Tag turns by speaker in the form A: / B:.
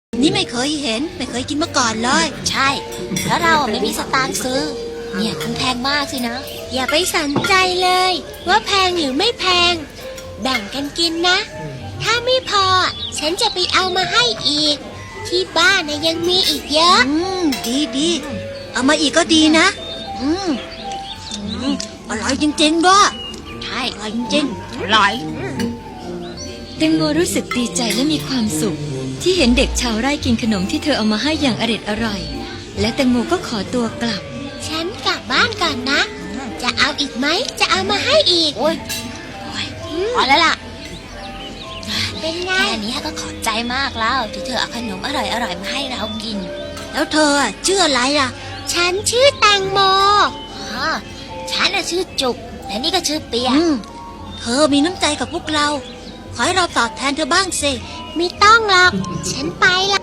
A: นี่ไม่เคยเห็นไม่เคยกินมาก่อนเลย
B: ใช่เพราะเราไม่มีสตางค์ซื้อเนี่ยคงแพงมากสินะ
C: อย่าไปสนใจเลยว่าแพงหรือไม่แพงแบ่งกันกินนะถ้าไม่พอฉันจะไปเอามาให้อีกที่บ้านนะยังมีอีกเยอะ
A: ดีเอามาอีกก็ดีนะอร่อยจริงๆด้วย
B: ใช่
A: อร่อยจริง
B: อร่อย
D: แตงโมรู้สึกดีใจและมีความสุขที่เห็นเด็กชาวไร่กินขนมที่เธอเอามาให้อย่างอร่อยและแตงโมก็ขอตัวกลับ
C: ฉันกลับบ้านก่อนนะจะเอาอีกไหมจะเอามาให้อีก
B: โอ้ยพอแล้วล่ะ
C: เป็นไง
B: แค่นี้ก็ขอบใจมากแล้วที่เธอเอาขนมอร่อยมาให้เรากิน
A: แล้วเธอชื่ออะไรล่ะ
C: ฉันชื่อแตงโม
B: ฉันชื่อจุกและนี่ก็ชื่อเปีย
A: เธอมีน้ำใจกับพวกเราขอให้เราตอบแทนเธอบ้างสิ
C: ไม่ต้องหรอกฉันไปละ